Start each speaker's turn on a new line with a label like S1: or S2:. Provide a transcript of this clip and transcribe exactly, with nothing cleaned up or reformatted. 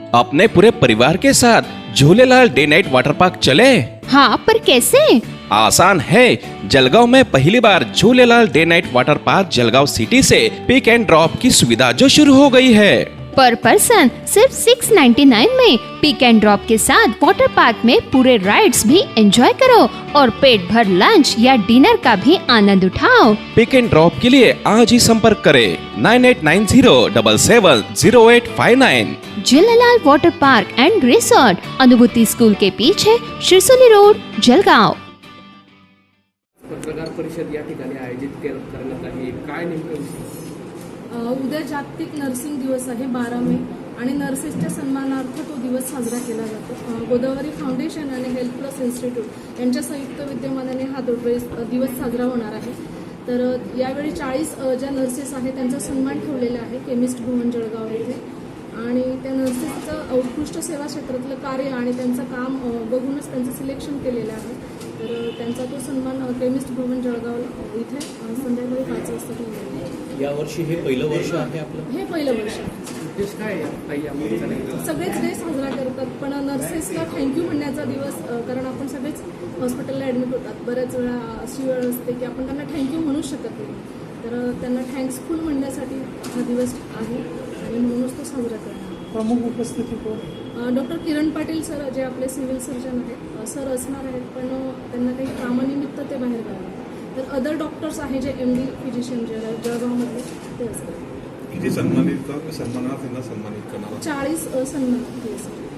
S1: अपने पूरे परिवार के साथ Jhulelal day night water park चले।
S2: हाँ, पर कैसे?
S1: आसान है। जलगांव में पहली बार Jhulelal day night water park Jalgaon city से पिक एंड ड्रॉप की सुविधा जो शुरू हो गई है।
S2: पर पर्सन सिर्फ सिक्स नाइन्टी नाइन में पिक एंड ड्रॉप के साथ वाटर पार्क में पूरे राइड्स भी एंजॉय करो और पेट भर लंच या डिनर का भी आनंद उठाओ।
S1: पिक एंड ड्रॉप के लिए आज ही संपर्क करें nine eight nine zero double seven zero eight five nine.
S2: Jhulelal water park and resort, Anubhuti school के पीछे, शिरसोली रोड, जलगांव।
S3: पत्रकार परिषद या ठिकाणी आयोजित करण्यात आली, काय नेमकं विषय?
S4: उद्या जागतिक नर्सिंग दिवस आहे बारा मे आणि नर्सेसच्या सन्मानार्थ तो दिवस साजरा केला जातो। गोदावरी फाउंडेशन आणि हेल्थ प्लस इन्स्टिट्यूट यांच्या संयुक्त विद्यमानाने हा दिवस साजरा होणार आहे। तर यावेळी चाळीस ज्या नर्सेस आहेत त्यांचा सन्मान ठेवलेला आहे केमिस्ट भवन जळगाव येथे आणि त्या नर्सेसचं उत्कृष्ट सेवा क्षेत्रातलं कार्य आणि त्यांचं काम बघूनच त्यांचं सिलेक्शन केलेलं आहे। तर त्यांचा तो सन्मान केमिस्ट भवन जळगाव इथे संध्याकाळी पाच वाजता ठेवलेला आहे।
S5: यावर्षी हे पहिलं वर्ष आहे आपलं?
S4: हे पहिलं वर्ष
S3: उद्देश काय आहे?
S4: सगळेच डे साजरा करतात पण नर्सेसला थँक्यू म्हणण्याचा दिवस, कारण आपण सगळेच हॉस्पिटलला ॲडमिट होतात, बऱ्याच वेळा अशी वेळ असते की आपण त्यांना थँक्यू म्हणू शकत नाही, तर त्यांना थँक्सफुल म्हणण्यासाठी हा दिवस आहे आणि म्हणूनच तो साजरा करणार।
S6: प्रमुख उपस्थिती कोण?
S4: डॉक्टर किरण पाटील सर जे आपले सिव्हिल सर्जन आहेत सर असणार आहेत, पण त्यांना काही कामानिमित्त ते बाहेर गावी, तर अदर डॉक्टर्स आहे जे एम डी फिजिशियन जे जळगावमध्ये ते असतात।
S7: किती सन्मानित सन्मानार्थींना सन्मानित करणार?
S4: चाळीस सन्मान.